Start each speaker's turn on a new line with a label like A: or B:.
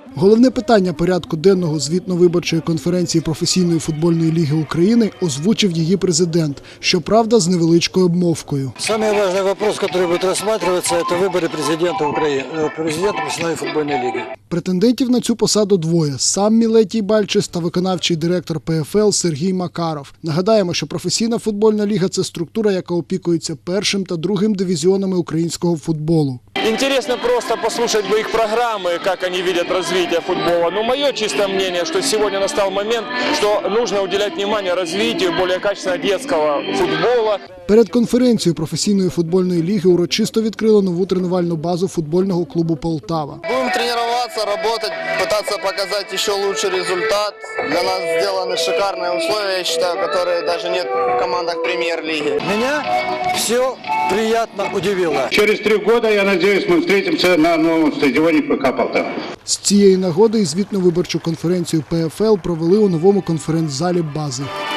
A: Головне питання порядку денного звітно-виборчої конференції професійної футбольної ліги України озвучив її президент, щоправда, з невеличкою обмовкою.
B: Самый важный вопрос, который будет рассматриваться, это выборы президента Украины, президента профессиональной футбольной лиги.
A: Претендентів на цю посаду двоє – сам Мілетій Бальчис та виконавчий директор ПФЛ Сергій Макаров. Нагадаємо, що професійна футбольна ліга – це структура, яка опікується першим та другим дивізіонами українського футболу.
C: Интересно просто послушать бы их программы, как они видят развитие футбола. Но мое чистое мнение, что сегодня настал момент, что нужно уделять внимание развитию более качественного детского футбола.
A: Перед конференцією професійної футбольної ліги урочисто відкрили нову тренувальну базу футбольного клубу «Полтава».
D: Будем тренироваться, работать, пытаться показать еще лучший результат. Для нас сделаны шикарные условия, я считаю, которые даже нет в командах премьер-лиги.
B: Меня все приятно удивило.
E: Через 3 года, я надеюсь, мы встретимся на новом стадионе ПК «Полтава».
A: З цієї нагоди і звітно-виборчу конференцію ПФЛ провели у новому конференц-залі бази.